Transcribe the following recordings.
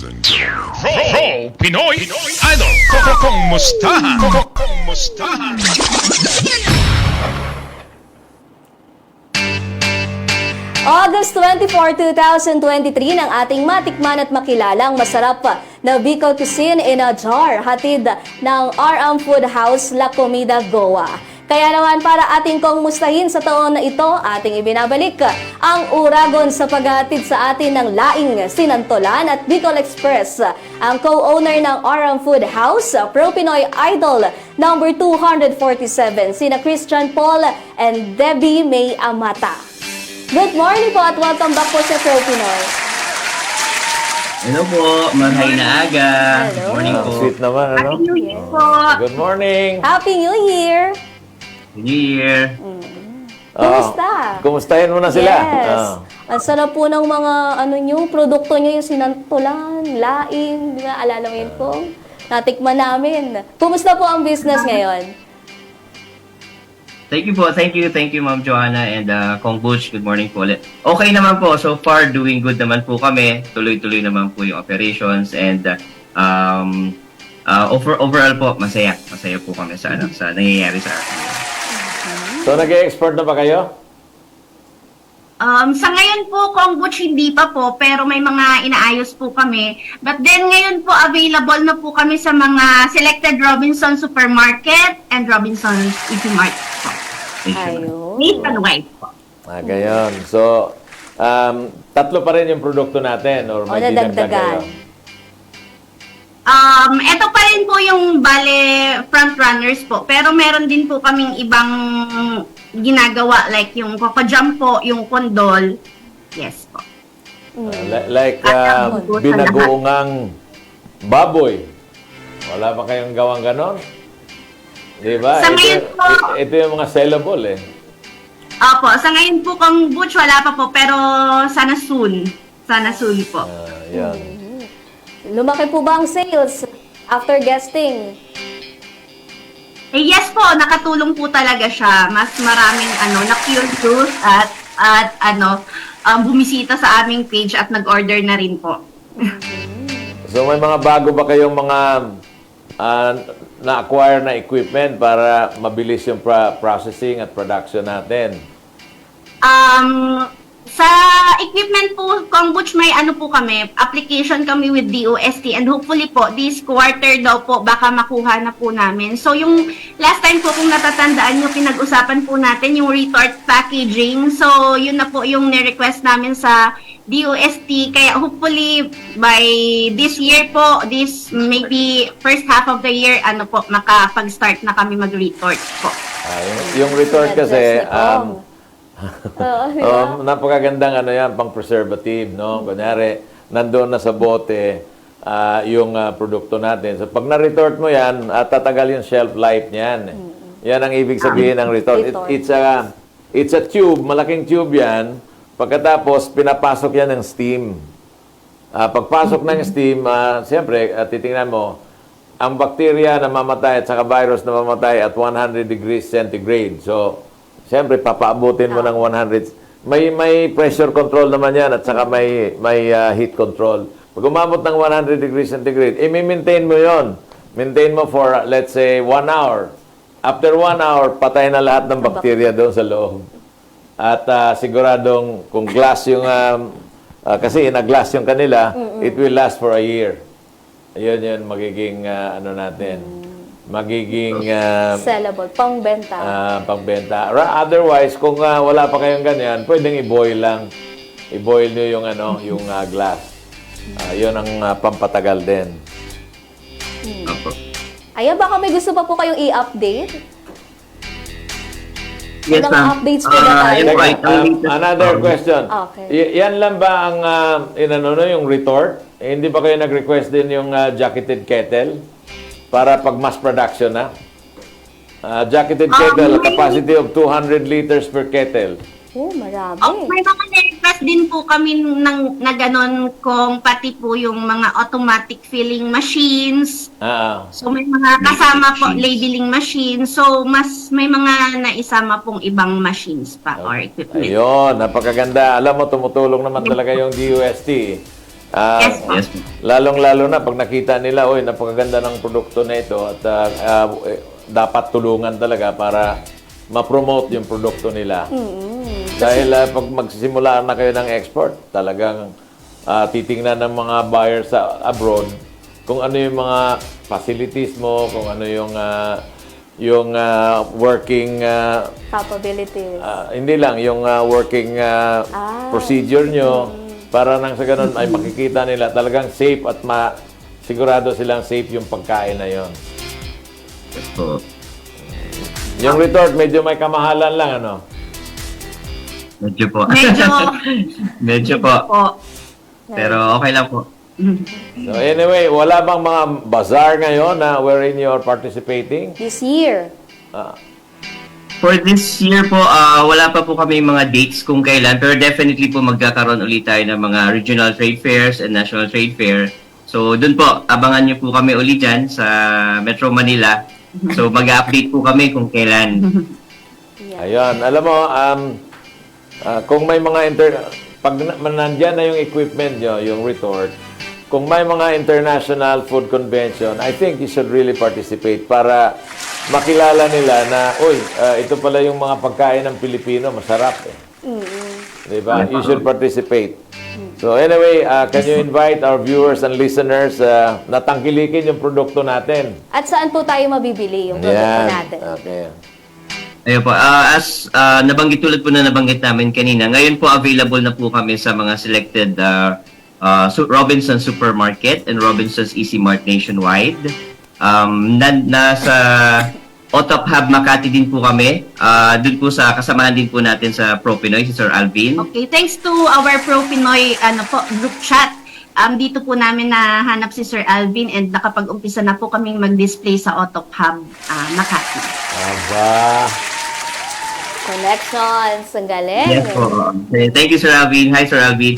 and gentlemen. Pinoy Idol. Kumustahan? Kumustahan? August 24, 2023 ng ating matikman at makilalang masarap na Bicol Cuisine in a Jar, hatid ng RM Food House La Comida Goa. Kaya naman para ating kumustahin sa taon na ito, ating ibinabalik ang uragon sa paghatid sa atin ng laing sinantolan at Bicol Express. Ang co-owner ng RM Food House, Pro Pinoy Idol number 247, sina Christian Paul and Debbie May Amata. Good morning po at welcome back po sa Pro Pinoy. Hello po, mahay na aga. Hello. Morning po. Sweet naman, ano? Happy New Year po. Good morning. Happy New Year! New Year. Kumusta? Kumustahin mo na sila. Yes. Ang sarap po ng mga produkto nyo, yung sinantulan, laing, di ba? Alala mo yun po? Natikman namin. Kumusta po ang business ngayon? Thank you po. Thank you Ma'am Joanna and Kong Butch. Good morning po ulit. Okay naman po. So far, doing good naman po kami. Tuloy-tuloy naman po yung operations and overall po, masaya. Masaya po kami sa nangyayari sa atin. So, nag-export na ba kayo? Sa ngayon po, Kong Butch, hindi pa po, pero may mga inaayos po kami. But then ngayon po, available na po kami sa mga selected Robinson Supermarket and Robinson's Easy Mart po. Ayun. Nationwide po. Gayon. So, tatlo pa rin yung produkto natin or may dinagdag nadagdagan. kayo? Ito pa rin po yung front runners po. Pero meron din po kaming ibang ginagawa like yung Coco Jam po, yung kondol. Yes po. Binagoongang baboy. Wala pa kayong gawang ganon? Di ba? Sa ngayon po, ito yung mga sellable eh. Opo, sa ngayon po Kong Butch, wala pa po, pero sana soon. Sana soon po. Yan. Lumaki po ba ang sales after guesting? Eh, yes po, nakatulong po talaga siya. Mas maraming na-curious at bumisita sa aming page at nag-order na rin po. So, may mga bago ba kayong mga na-acquire na equipment para mabilis yung processing at production natin? Sa equipment po, Kong Butch, may po kami, application kami with DOST and hopefully po, this quarter daw po, baka makuha na po namin. So yung last time po, kung natatandaan nyo, pinag-usapan po natin yung retort packaging. So yun na po yung ni-request namin sa DOST. Kaya hopefully by this year po, this maybe first half of the year, makapag-start na kami mag-retort po. Yung retort kasi, Yeah. napakagandang yan, pang preservative, no? Kunyari, nandoon na sa bote yung produkto natin. So, pag na-retort mo yan, tatagal yung shelf life niyan. Yan ang ibig sabihin ng retort. It's a tube, malaking tube yan. Pagkatapos, pinapasok yan ng steam. Pagpasok ng steam, siyempre, titingnan mo, ang bacteria na mamatay at saka virus na mamatay at 100 degrees centigrade. So, siyempre, papaabutin mo ng 100. May pressure control naman yan at saka may heat control. Pag umabot ng 100 degrees centigrade, i-maintain mo yon. Maintain mo for, let's say, 1 hour. After 1 hour, patay na lahat ng bacteria doon sa loob. At siguradong kung glass yung, kasi ina-glass yung kanila, it will last for a year. Ayun yun, magiging, magiging Sellable, pangbenta. pangbenta. Otherwise, kung wala pa kayong ganyan, pwedeng i-boil lang. I-boil nyo yung yung glass. Yun ang pampatagal din. Opo. Ayan, baka may gusto pa po kayong i-update? Yes, Mga ma'am. updates po na tayo. Yun po, Another question. Okay. Yan lang ba ang yung retort? Hindi ba kayo nag-request din yung jacketed kettle para pag mass production na? Jacketed kettle, capacity of 200 liters per kettle. Oh, marami. May mga na-request din po kami na ganon kung pati po yung mga automatic filling machines. So may mga kasama po labeling machines. So may mga naisama pong ibang machines pa or equipment. Ayun, napakaganda. Alam mo, tumutulong naman talaga yung DUST. Yes po. Yes po. Lalong-lalo na pag nakita nila, oy, napakaganda ng produkto na ito at dapat tulungan talaga para ma-promote yung produkto nila. Dahil pag magsisimula na kayo ng export, talagang titingnan ng mga buyers sa abroad kung ano yung mga facilities mo, kung ano yung working Capabilities. hindi lang yung working procedure nyo para nang sa ganun ay makikita nila talagang safe at sigurado silang safe yung pagkain na yon. Yes po. Yung retort medyo may kamahalan lang ano. Medyo po. Medyo Medyo po. po. Pero okay lang po. So anyway, wala bang mga bazaar ngayon na wherein you're participating? This year. For this year po, wala pa po kami mga dates kung kailan, pero definitely po magkakaroon ulit tayo ng mga regional trade fairs and national trade fair. So doon po, abangan niyo po kami ulit dyan sa Metro Manila. So mag-update po kami kung kailan. Ayun, alam mo, kung may mga pag nandyan na yung equipment nyo, yung retort, kung may mga international food convention, I think you should really participate para makilala nila na, uy, ito pala yung mga pagkain ng Pilipino, masarap eh. Diba? You should participate. So anyway, can you invite our viewers and listeners na tangkilikin yung produkto natin? At saan po tayo mabibili yung produkto natin? Okay. Ayun po, tulad po na nabanggit namin kanina, ngayon po available na po kami sa mga selected Robinsons Supermarket and Robinsons Easy Mart nationwide. Nasa Otop Hub Makati din po kami. Doon po sa kasamahan din po natin sa Pro Pinoy, si Sir Alvin. Okay, thanks to our Pro Pinoy group chat. Dito po namin nahanap si Sir Alvin and nakapag-umpisa na po kaming mag-display sa Otop Hub Makati. Aba. Connections. Ang galing. Yes po. Thank you, Sir Alvin. Hi, Sir Alvin.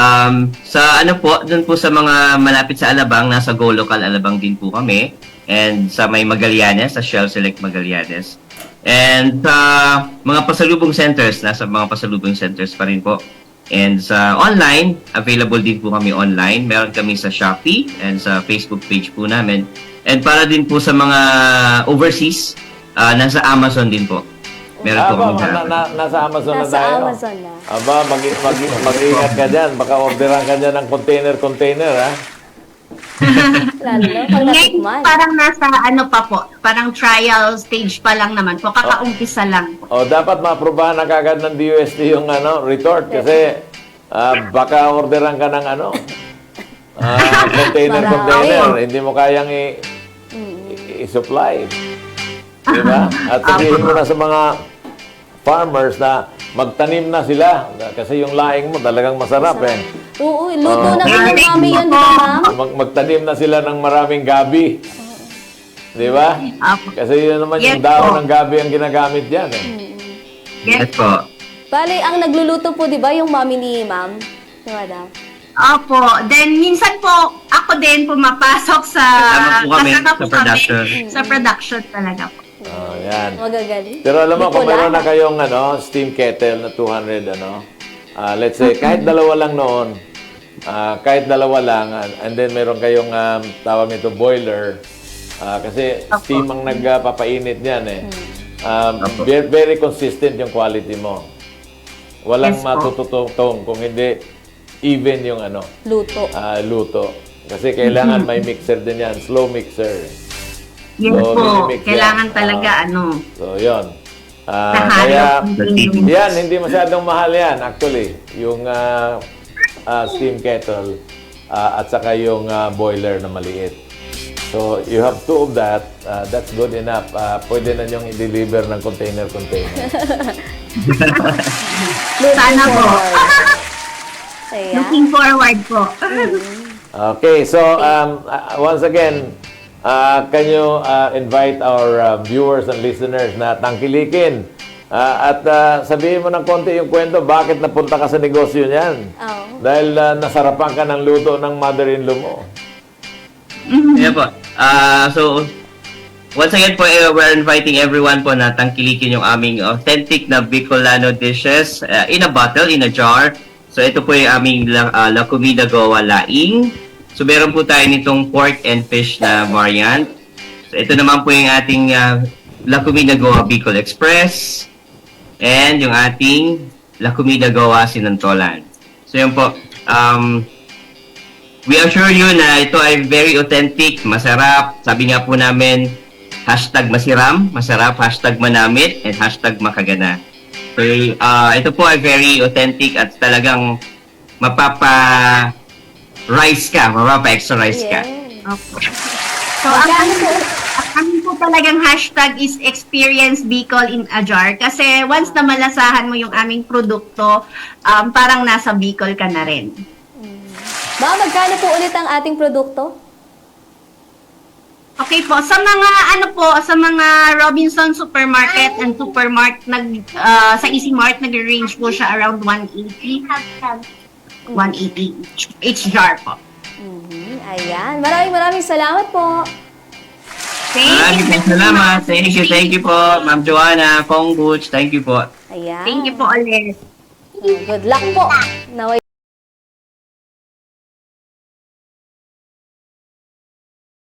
Doon po sa mga malapit sa Alabang, nasa Go Local Alabang din po kami. And sa may Magallanes, sa Shell Select Magallanes. And sa mga pasalubong centers, nasa mga pasalubong centers pa rin po. And sa online, available din po kami online. Meron kami sa Shopee and sa Facebook page po namin. And para din po sa mga overseas, nasa Amazon din po. Meron po kami Nasa Amazon na Nasa tayo. Amazon na. Aba, mag-ingat ka dyan. Baka orderan ka dyan ng container, ha? Lalo na pag Ngayon, natikman. parang nasa parang trial stage pa lang naman po, kakaumpisa lang po. O, dapat maaprobahan na kagad ng DOST yung retort kasi baka orderan ka ng container. Hindi mo kayang i-supply. Diba? At sabihin mo na sa mga farmers na magtanim na sila kasi yung laing mo talagang masarap eh. Oo, luto na nga mami yun, di ba, ma'am? Magtanim na sila ng maraming gabi. Di ba? Kasi yun naman yung Yes, dahon po. ng gabi ang ginagamit dyan eh. Yes po. Bale, ang nagluluto po, di ba, yung mami ni ma'am? Di ba daw? Opo. Then, minsan po, ako din pumapasok sa... Kasama po kami kasama sa po production. Sa production talaga po. Oh, yan. Magagaling. Pero alam mo, kung Bicolana. meron na kayong steam kettle na 200, let's say, kahit dalawa lang noon, kahit dalawa lang, and then meron kayong tawag nito boiler, kasi steam ang nagpapainit niyan eh. Very consistent yung quality mo. Walang Yes po. matututong kung hindi even yung Luto. luto. Kasi kailangan may mixer din yan, slow mixer. Yes So, po. minimix yan. Kailangan talaga, So, yun. Nahalo. Kaya, Steam. yan, hindi masyadong mahal yan, actually. Yung steam kettle at saka yung boiler na maliit. So, you have two of that. That's good enough. Pwede na nyong i-deliver ng container. Sana po. Ayan. Looking forward po. Okay, so once again, can you invite our viewers and listeners na tangkilikin at sabihin mo ng konti yung kwento, bakit napunta ka sa negosyo niyan? Oo. Dahil nasarapan ka ng luto ng mother-in-law mo. Yeah po. So, once again po, we're inviting everyone po na tangkilikin yung aming authentic na Bicolano dishes in a bottle, in a jar. So ito po yung aming La Comida Goa Laing. So meron po tayo nitong pork and fish na variant. So ito naman po yung ating La Comida Goa Bicol Express. And yung ating La Comida Goa Sinantolan. So yun po. We assure you na ito ay very authentic, masarap. Sabi nga po namin, #masiram, masarap, #manamit, and #makagana. So, ito po ay very authentic at talagang mapapa-rice ka, mapapa-extra rice ka. Opo. So, ang po talagang hashtag is experience Bicol in a jar. Kasi once na malasahan mo yung aming produkto, parang nasa Bicol ka na rin. Ma'am, magkano po ulit ang ating produkto? Okay po, sa mga Robinson Supermarket and Supermart, sa Easy Mart, nag-range po siya around 180. 180 each jar po. Ayan. Maraming salamat po. Maraming salamat. Thank you po, Ma'am Joanna, Kong Butch, thank you po. Ayan. Thank you po ulit. Good luck po.